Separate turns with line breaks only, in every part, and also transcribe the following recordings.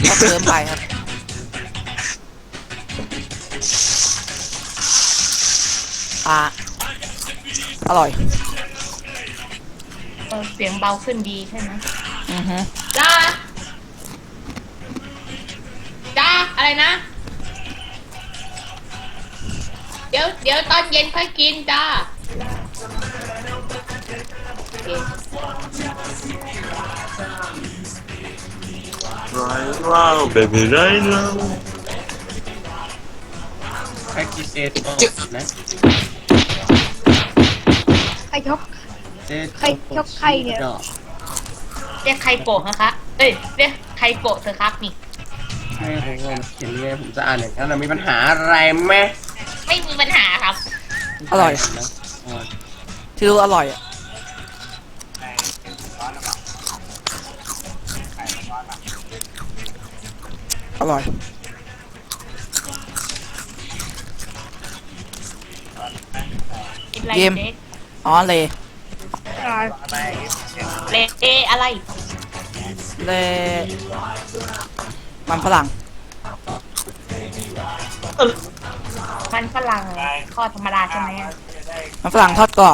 ก็เติมไปครับอ่าอร่อย
เสียงเบาขึ้นดีใช่ไหม
อือฮึ
จ้าจ้าอะไรนะ เดี๋ยวตอนเย็นค่อยกินจ้าโอเค
Right now baby right now
ใครกินเซโตนะ
ใครชก
เซโต
ใครชกใครเนี่ย
เรียกใครโกะนะคะเอ้ยเรียกใครโกะเธอครับนี่
ให้ผมเขียนยังไงผมจะอ่านอย่างนั้นมีปัญหาอะไรไหม
ไม่มีปัญหาครับ
อร่อย
นะอ๋อ
ที่รู้อร่อยอ่ะอร่อย
กินอะไร
เกม
เด็ก
อ๋อเล
เลอะไร
เลมันฝรั่ง
มันฝรั่งทอดธรรมดาใช่ไหม
มันฝรั่งทอดกรอบ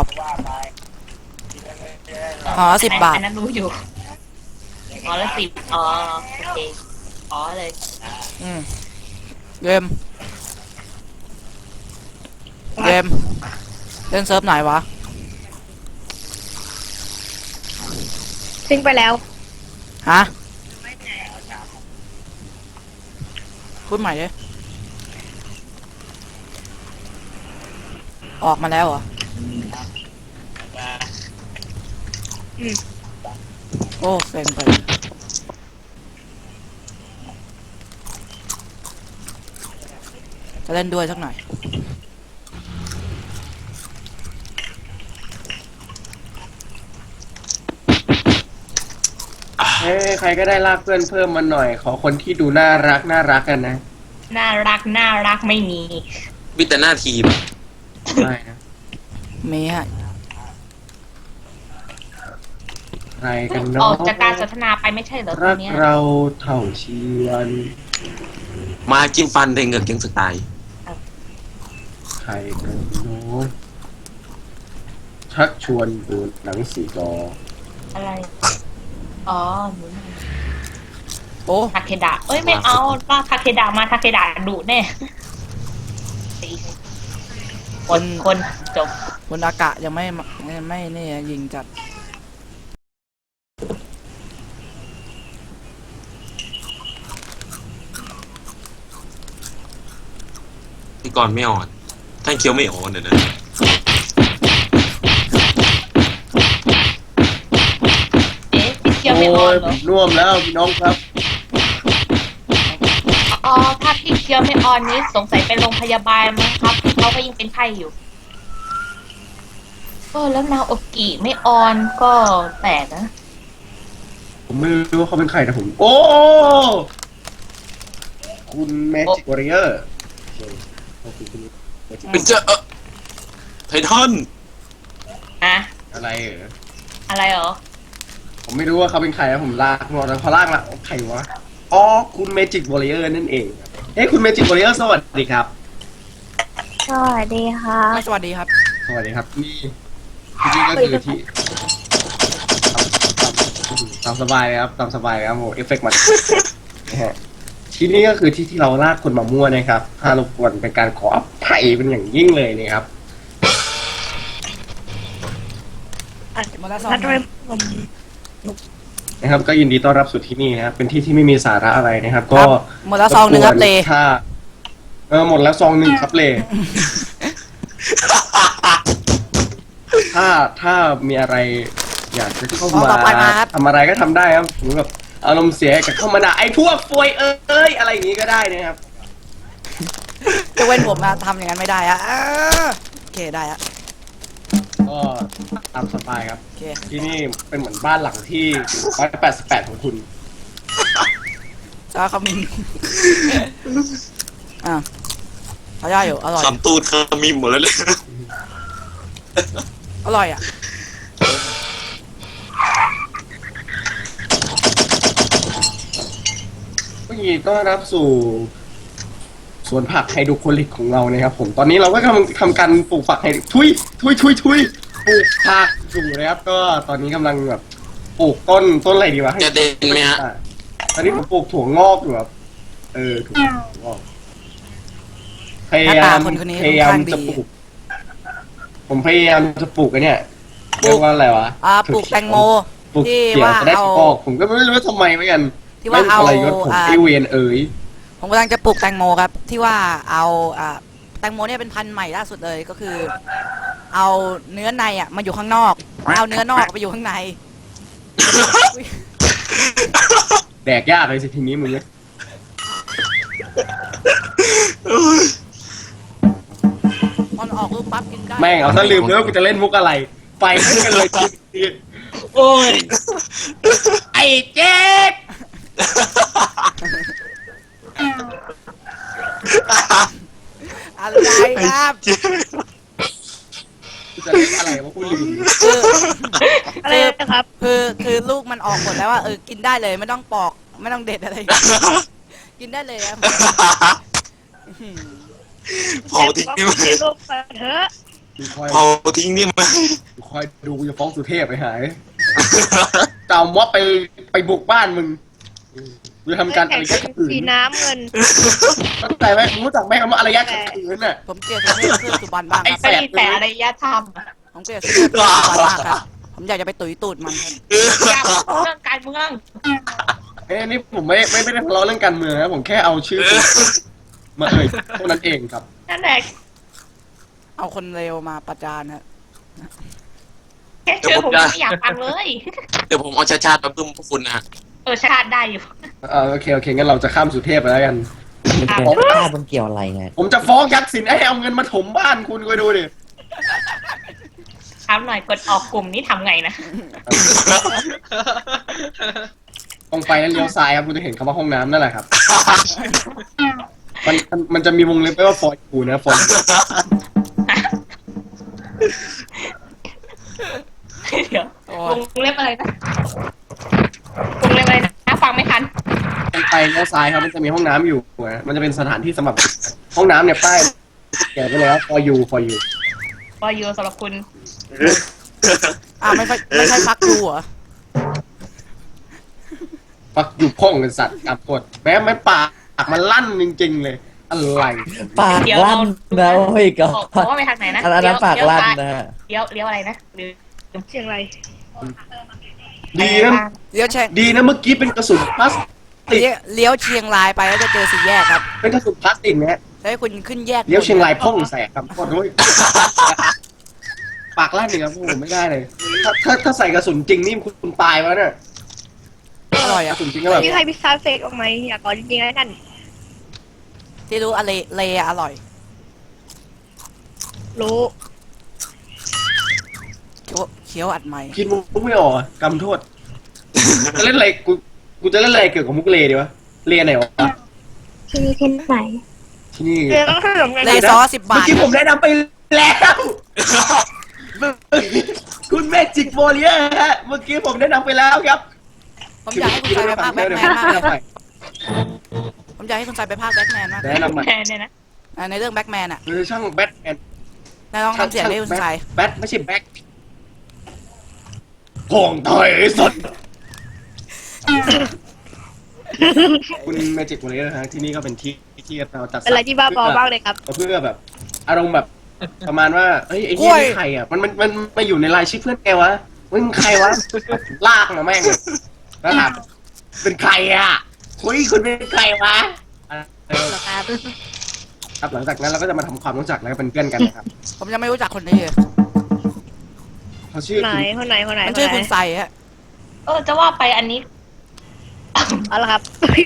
อ๋อ10 บาท
อันนั้นรู้อยู่อ๋อละ10อ๋อโอเคอ๋อเลย
อืมเกมเล่นเซิร์ฟไหนวะ
ทิ้งไปแล้ว
ฮะพูดใหม่ดิออกมาแล้วเหรอ
อืม
โอ้เซ็งไปจะเล่นด้วยสักหน่อย
เฮ้ยใครก็ได้ลากเพื่อนเพิ่มมาหน่อย ขอคนที่ดูน่ารักกันนะ
น่ารักไม่มี
มีแต่หน้าทีม
ได้นะ
มีฮะ
ใครกัน
อ
เนาะ
อกจากการสนทนาไปไม่ใช่เหรอตอ
รั
น
ก
เนี้ย
เราเท่าชีวัน
มากินฟันเทงกับเกงสไตล์
ใครกันเนาะชักชวนดูหนังสีจอ
อะไรอ๋อหนู
โอ้
ทาเคดะเอ้ยไม่เอาถ้าทาเคดะมาทาเคดะดุแน่ตีคนจบ
คุณอากะยังไม่นี่ยิงจัด
พี่กรณ์ไม่อ่อนท่านเคี้ยวไม่อ่อนเดี๋ยวนะ
เอ๊ะพี่เคียวไม่ออนเหรอ
ผมน่วมแล้วพี่น้องครับ
อ๋อถ้าพี่เคียวไม่ออนนี้สงสัยไปโรงพยาบาลมั้งครับเขาก็ยังเป็นไข้อยู่แล้วนาโอกิไม่ออนก็แปลกนะ
ผมไม่รู้ว่าเขาเป็นใครนะผม โอ้ คุณแมจิกวอริเออร์
เป็นเจ้าไททัน
อะ
อะไรเหรอ
อะไรเหรอ
ผมไม่รู้ว่าเขาเป็นใครนะผมลากมาแล้วพอลากละใครวะ อ๋อ คุณเมจิกวอริเออร์นั่นเองเฮ้ยคุณเมจิกวอริเออร์สวัสดีครับ
สวัสดีค่ะ
ไม่สวัสดีครับ
สวัสดีครับ นี่ที่นี่ก็คือที่ตามสบายเลยครับตามสบายเลยครับโอ้เอฟเฟกต์มันนะฮะที่นี่ก็คือที่เราลากคนมามั่วนะครับถ้ารบกวนเป็นการขออภัยเป็นอย่างยิ่งเลยนะครับ
หมดแล้วซอง
นัดไว้ผม
นะครับ ก็ยินดีต้อนรับสู่ที่นี่นะครับ เป็นที่ที่ไม่มีสาระอะไรนะครับ ก็
ครับหมดแล้วซองหนึ่งครับเล
ถ้าหมดแล้วซองหนึ่งครับเล ถ้ามีอะไร อยากจะเข้า
ซอง
มา
ต่อไปมาครับ
ทำอะไรก็ทำได้ครับหรือแบบอารมณ์เสียกับเข้ามาด่าไอ้พวกฟวยเอ้ยอะไรอย่างนี้ก็ได้นะครับ
จะเว้นผมนะทำอย่างนั้นไม่ได้อะโอเคได้อะ
ก็ตามสบายครับ
โอเค
ที่นี่เป็นเหมือนบ้านหลังที่188ของคุณ
จ้าเขามินอ่ะเขาได้อยู่อร่อย
คำตูดคำมิมหมดแล้วเลย
อร่อยอ่ะ
ก็ยินดีต้อนรับสู่สวนผักไฮโดรโปนิกของเรานะครับผมตอนนี้เราก็กำลังทำการปลูกผักไฮทุยปลูกผักอยู่นะครับก็ตอนนี้กำลังแบบปลูกต้นอะไรดีวะ
จะเด่นไหมฮะ
ตอนนี้ผมปลูกถั่วงอกอยู่ครับถั่วงอกพยายาม
หน้าตาคนนี้
พยายาม
ค่อนข้างดี
จะปลูกผมพยายามจะปลูกไอ้เนี่ยเรียกว่าอะไรวะ
ปลูกแตงโม
ปลูก
ที่
เกี่ยว
ว่า
จะได้
เอา
ออกผมก็ไม่รู้ว่าทำไมเหมือนกัน
ที่ว่าเอา
ไม่ทรยศผมไอเวนเอ๋ย
ผมกำลังจะปลูกแตงโมครับ ที่ว่าเอาแตงโมเนี่ยเป็นพันธุ์ใหม่ล่าสุดเลยก็คือ เอาเนื้อในมาอยู่ข้างนอกเอาเนื้อนอกไปอยู่ข้างใน
แดกยากเลยสิทีนี้มึงเนี่ย
มันออกลูกปั๊บกินได้
แม่งเอาซะลืมเลยว่ากูจะเล่นมุกอะไรไปขึ้นกันเลยที
โอ้ย
ไอ้เจ๊ก
อะไรครับ
กูจะเล่นอะไรวะกูลืม
คือ
อะไรนะครับ
คือลูกมันออกหมดแล้วว่ากินได้เลยไม่ต้องปอกไม่ต้องเด็ดอะไร กินได้เลยครับ
เผาทิ้งได้ไหม
ลูกไปเถอะ
กูคอย
เผาทิ้งได้ไหม
กูคอยดูกูจะฟ้องสุเทพไปหายจะเอาม็อบไปบุกบ้านมึงกูจะทำการอารยะขัดขืน
สีน้ำเงิน
เข้าใจไหมรู้จักไหมคำว่าอารยะขัดขืนน่ะ
ผมเกลียดสุเทพขึ้นสุบรรณบ้างครับ
ก็ดีแต่อารยธรรม
ผมเกลียดสุเทพขึ้นสุบรรณมากครับผมอยากจะไปตุ๋ยตูดมันครับ
อย่าพูดเรื่องการเมือง
เอ้ยนี่ผมไม่ได้ทะเลาะเรื่องการเมืองนะผมแค่เอาชื่อมาเอ่ยเท่านั้นเองครับ
นั่นแหละ
เอาคนเลวมาประจานฮะ
แค่ชื่อผมยังไม่อยากฟังเลย
เดี๋ยวผมเอาชาติมาพึ่มพวกคุณนะฮะ
ชาติได้อยู่
โอเคงั้นเราจะข้ามสุเทพไปแล้วกัน
ข้ามันเกี่ยวอะไรไง
ผมจะฟ้องยักษ์สินให้เอาเงินมาถมบ้านคุณไปดูดิ
ถามหน่อยกดออกกลุ่มนี้ทำไงนะ
ตรงไปแล้วเลี้ยวซ้ายครับคุณจะเห็นคำว่าห้องน้ำนั่นแหละครับ มันจะมีวงเล็บไว้ว่าฟอยกูนะฟอย
เดี๋ยววงเล็บอะไรนะวงเล็บอะไรนะฟังไม่ทัน
ตรงไปเลี้ยวซ้ายครับมันจะมีห้องน้ำอยู่นะมันจะเป็นสถานที่สำหรับห้องน้ำเนี่ยป้ายแกะไปเลยครับ for you
วอยูสำหรับคุณ
ไม่ใช่พักดูเหรอ
ปักอยู่พ่องเป็นสัตว์กับกดแม้ไม่ปากมันลั่นจริงๆเลย อะไร
ปาก
เดี๋ยว
ลั่
เรา
นนะเฮ้ยก็
บอกว่าไปทางไหนนะ
อันนั้นปากลั่นนะฮะ
เลี้ยวอะไรนะหรือ
เชียงราย
ดีนะ
เลี้ยวเชียง
ดีนะเมื่อกี้เป็นกระสุนพลาสติก
เลี้ยวเชียงรายไปแล้วจะเจอสี่แยกครับ
เป็นกระสุนพลาสติกนะฮะ
แล้วให้คุณขึ้นแยก
เลี้ยวเชียงรายพ่องแสกครับโคตรด้วยปากลั่นเนี่ยครับผมไม่ได้เลย ถ้าใส่กระสุนจริงนี่คุณตายแล้วเนี่ย
อร่อย
ก
อ่ะ
ระสุนจริงก็แบบ
มีใครพิซซ่าเฟกออกไหมอยากขอจริงๆแล้วกัน
ที่รู้อะไรเลอร่อย
รู้
เคี้ยวอัดไหม
คิดมุกไม่ออกอะกำโทษจะเล่นอะไรกูจะเล่นอะไรเกี่ยวกับมุกเลดีวะเลไหนวะ
ที่นี่ที่ไหน
ที่นี่
เรื่องขนมไง
เลซอ10 บา
เมื่อ
ท
กี้ผมแนะนำไปแล้วคุณเมจิกโมเลียฮะเมื่อกี้ผมแนะนำไปแล้วครับ
ผมอยากให้คุณใส่ไปภาคแบทแมนมากเลยผมอยากให้คุณใส่ไปภาคแบทแมนมาก
แนะนำใหม่
แทนเนี่ยนะ
ในเรื่องแบทแมนอ่ะ
คือช่างแบทแมน
นายลองทำเสียงให้คุณใส่
แบทไม่ใช่แบ็คพองถอยสดคุณเมจิกโมเลียนะฮะที่นี่ก็เป็นที่เราจัดสร
เป็นอะไรที่บ้าบอมากเลยครับ
เพื่อแบบ อารมณ์แบบประมาณว่าเฮ้ยไอ้เหี้ยนี่ใครอ่ะมันมาอยู่ในรายชื่อเพื่อนแกวะมึงใครวะลากมาแม่งแล้วถามเป็นใครอ่ะคุยคุณเป็นใครวะครับหลังจากนั้นเราก็จะมาทำความรู้จักแล้วก็เป็นเพื่อนกันนะครับ
ผมยังไม่รู้จักคนนี้เลย
เขาชื่อ
ไหน
คุณ
คนไหน
มันชื่อคุณใส่ฮะ
จะว่าไปอันนี้
เอาละครับ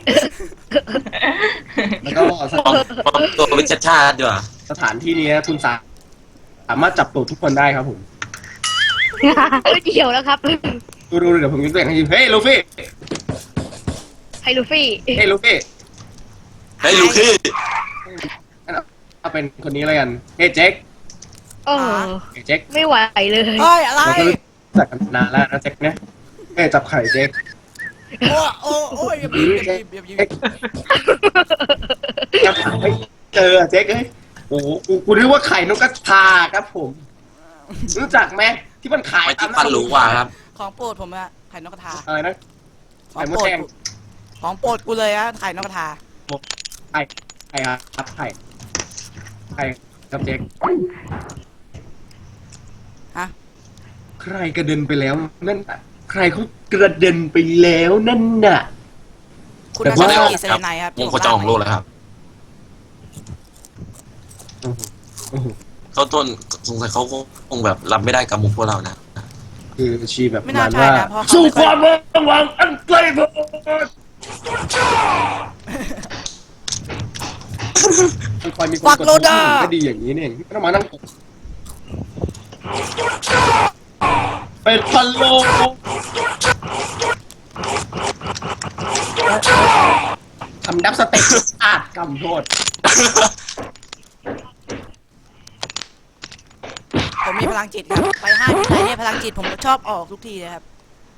แล้วก็ส
ปลอมตัวเป็นชาติดีกว่า
สถานที่นี้นะคุณสามารถจับตัวทุกคนได้ครับผม
เกี่ยวแล้วครับ
ดูเดี๋ยวผมยกตัวอย่างให้ดูเฮ้ยลูฟี่
ไฮลูฟี่
เฮ้ยลูฟี่
ให้ลูกพี่
เอาเป็นคนนี้แล้วกันเฮ้ยเจ๊ก
โอ้
เฮ้ยเจ๊ก
ไม่ไหวเลย
เฮ้ยอะไร
เราก็รู้จักกันนานแล้วนะเจ๊กเนี่ยเฮ้ยจับไข่เจ๊ก
โอ้ยอย่าบีบอย่าบีบ
ครับไม่เจอเจ๊กเอ้ยโอ้โหกูนึกว่าไข่นกกระทาครับผม รู้จักไหมที่มันขาย
ไม่ที่ฟันรู้ว่าครับ
ของโปรดผมอะไข่นกกระทา
อะไรนะ
ขอ
ไข่
ง
มด
โปรด
แดง
ของโปรดกูเลยอะไข่นกกระทา
ไข่ครับไข่ครับเจ๊ก
ฮะ
ใครกระเด็นไปแล้วนั่นน่ะใครเขากระเด็นไปแล้วนั่นน่ะ
คุณ
แต่
อา
ว่า
ชาติเซเลไนครับ
วงโคจรของโลกแล้วครับ
โอ้โห
เขาต้นสงสัยเขาคงแบบรับไม่ได้กับมุกพวกเรานะ
คือชีแบบ
ไม่น่าใช่นะเพราะเขา
สู้
ไม่
ค
ค่อ
วาย มระวังอันไกลโพ้นคอยมีคนกดปุ่มก็ดีอย่างนี้เนี่ยไม่ต้องมานั่งกดเป็นพันโลทำดับสเต็ปอาจกำโทษ
ผมมีพลังจิตครับไปห้างที่ไหนเนี่ยพลังจิตผมชอบออกทุกทีเลยครับ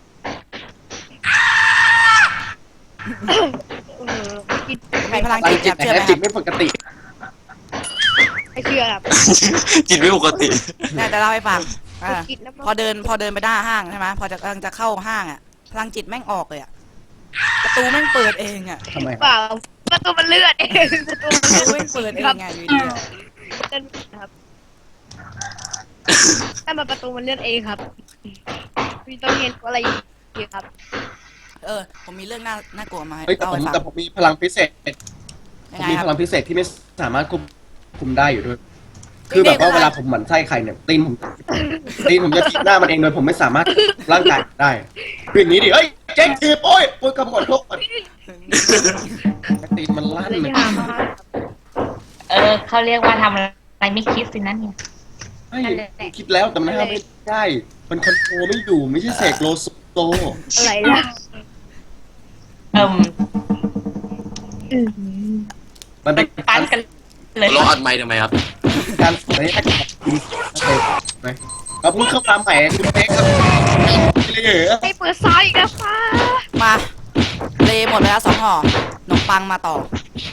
กิน
ผมมีพลัง
พลั
จิ
ง
ต
จิ
ค
ต
รับ
แต่
เชื่อไหมค
จิ
รั
ต
บ
ไม่ปกติ
ไม่เชื่อครับ
จิตไม่ปกติ
เนี่ยจะเล่าให้ฟังอ่า
กินแล้ว
พอเดินไปหน้าห้างใช่ไหมพอกำลังจะเข้าห้างอ่ะพลังจิตแม่งออกเลยอ่ะประตูแม่งเปิดเองอ่ะ
ทำไม
เปล่าประตูมันเลื่อนเองประตู
ประตู
มัน
แม่งเปิดเอง
ครับ
ไงอยู่ดีอะ
เลื่อนครับแต่มาประตูมันเลื่อนเองครับมีต้องเรียนอะไรอีกครับ
ผมมีเรื่องน่ากลัวมาให้
เฮ้ยแต่
เล่า
ผม
ให้ฟัง
แต่ผมมีพลังพิเศษ
ยั
ผ
ง
ม
ไง
มี
ครั
พ
บ
ลังพิเศษที่ไม่สามารถควบคุมได้อยู่ด้วย คือแบบว่าเวลาผมหมั่นไส้ใครเนี่ยตีนผมจะทิ่มหน้ามันเองโดยผมไม่สามารถร่างกายได้คืออย่างนี้ดิเฮ้ยเจ๊งทีบโอ้ยกำหนดโทษตีนมันลั่นเลย
เขาเรียกว่าทำอะไรไม่คิดสินั่นเนี่ย
ไม่คิดแล้วแต่มันทำไม่ได้มันคอนโทรลไม่อยู่ไม่ใช่เสกโลโซ
อะไรล่ะ
มันเป็น
ปั้นกันเลย
เราอัดไมค์ทำไมครับ
การสอนให้คุณไหมเราเพิ่งเข้ามาใหม่คุณเป๊กครับเลยเหรอ
ให้เปิดซ้ายอีกแล้วฟ้า
มาเลหมดไปแล้ว2 ห่อขนมปังมาต่อ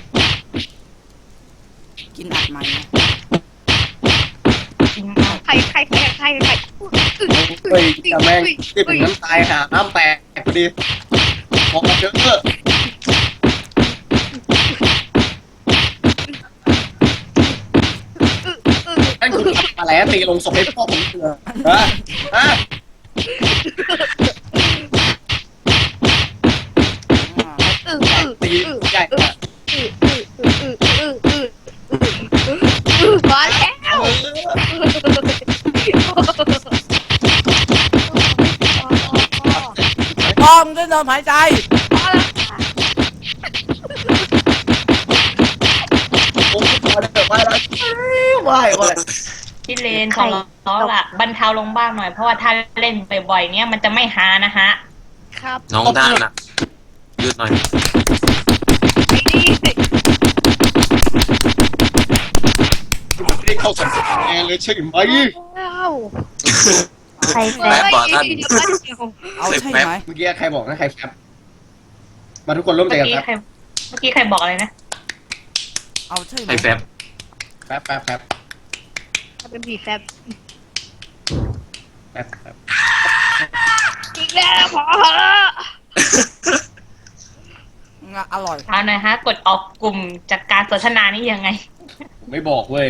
กินอัดไหมนะ
ใคร
เฮ้ยจะแม่งที่ผมน้ำตายหาน้ำแตกพอดีพอเยอะนั่นคุณอะไรตีลงศพให้พ่อผมเถื่อฮะ ตีใหญ่
มาแล้ว
พอมด้วยลมหายใจ
โอ้ยพอแล้วไปแล้วไหว
พี่เลนของเราล่ะบรรเทาลงบ้างหน่อยเพราะว่าถ้าเล่นบ่อยๆเนี่ยมันจะไม่ฮานะฮะ
ครับ
น้องด้านน่ะยืดหน่อย
ไอ้นี่
ไม่ได้เข้าสังเกตเลยใช่ไหม
ว้าว
ใคร
แป๊บบอกท่าน
เอาใช่ไหม
เมื่อกี้ใครบอกนะใครแฟบมาทุกคนร่วมใจ
เมื่อ
กัน
กี้
ครับ
เมื่อกี้ใครบอกอะไรนะ
เอาใช่ไหม
ไอแฟบ
แฟบ
เป็นผีแฟบ
แฟบ
อีกแล้วพอ
อร่อย
เอาหน่อยฮะ กดออกกลุ่มจากการสนทนานี่ยังไง
ไม่บอกเว้ย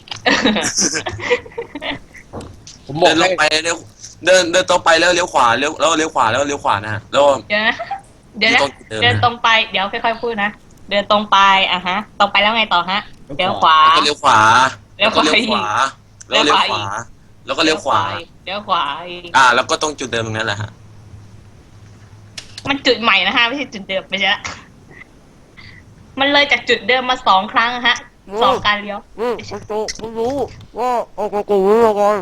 ผมบอ
เดิ
ก
นล
ให้
งไปเลี้ยวเดินตรงไปแล้วเลี้ยวขวาเลี้ยวขวาแล้วเลี้ยวขวานะฮะแล้ว
เดี๋ยวนะเดินตรงไปเดี๋ยวค่อยๆพูดนะเดินตรงไปฮะตรงไปแล้วไงต่อฮะเลี้ยวขวา
แล้วก็เลี้ยวขวาแล้วก็เลี้ยวขวาแล้วเลี้ยวขวาแล้วก็เลี้ยวขวา
เลี้ยวขวาอีก
แล้วก็ตรงจุดเดิมตรงนั้นแหละฮะ
มันจุดใหม่นะฮะไม่ใช่จุดเดิมไม่ใช่ละมันเลยจากจุดเดิมมา2 ครั้งฮะ2 การเลี้ยว
ผมรู้ว่าโอ้โหกูรู้แล้วกัน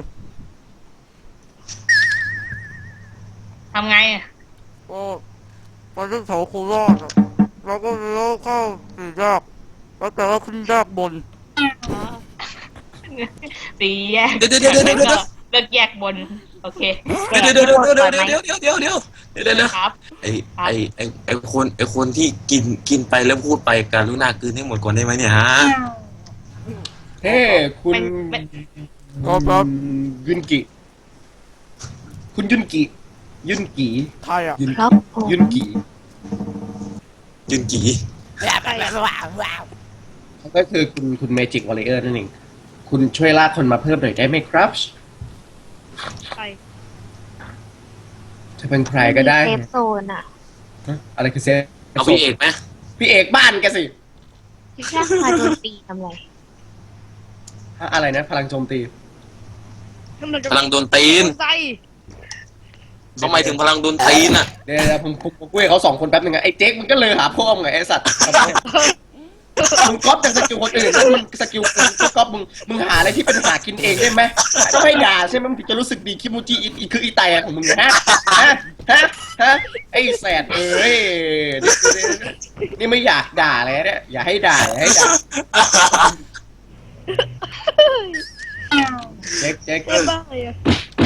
ทำไงอะ
ก็ไปที่แถวโคราชอะแล้วก็เลี้ยวเข้าสี่แยกแล้วแต่ว่าขึ้นแยกบน
4 แยก
เดี๋ยว
เลือกแยกบนโอเค
เดี๋ยว
ครับ
ไอคนที่กินไปแล้วพูดไปการุณากลืนให้หมดก่อนได้ไหมเนี่ยฮะ
เฮ้คุณ
ครับ
ยุนกิ คุณยุนกิ ยุนกี
ใครอ่ะ
ยุน
ครับผม
ยุนกี
ยืนกี่
ว้าว
เขาก็คือคุณเมจิกวอลเลเยอร์นั่นเองคุณช่วยลากคนมาเพิ่มหน่อยได้ไหมครับ
ไป
จะเป็นใครก็ได้
เซฟโซนอ่ะ
ฮะอะไรคือเซฟ
เอาพี่เอกไหม
พี่เอกบ้านแกสิ
ที่แค่พาโดนตีทำไร
ฮะอะไรนะ พลังโจมตี
พลังโดนตีน
ใส่
เขาหมายถึงพลังโดนตีนอ่ะ
เดี๋ยวผมคุยกับเขา2 คนแป๊บนึงนะไอ้เจ๊กมันก็เลยหาพ่อมึงไงไอ้สัตว์ มึงก๊อปจากสกิลคนอื่นแล้วมึงสกิลกูก็ก๊อปมึงหาอะไรที่เป็นหากินเองได้ไหมจะไม่ด่าใช่ไหมมึงถึงจะรู้สึกดีคิมูจิอีคืออีไตของมึงนะฮะไอ้แสดเอ้ยนี่ไม่อยากด่าเลยเนี่ยอย่าให้ด่าเจ๊ก
ไม่บ้าเลยอะ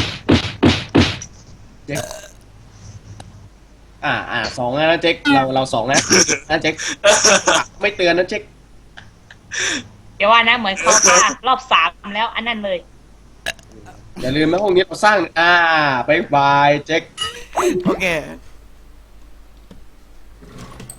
2นะเจ๊กเรา2นะเจ๊กไม่เตือนนะเจ๊ก
เดี๋ยวว่านะเหมือนเขาพารอบ3แล้วอันนั้นเลย
อย่าลืมนะห้องนี้เราสร้างบ๊ายบายเจ๊ก
โอเค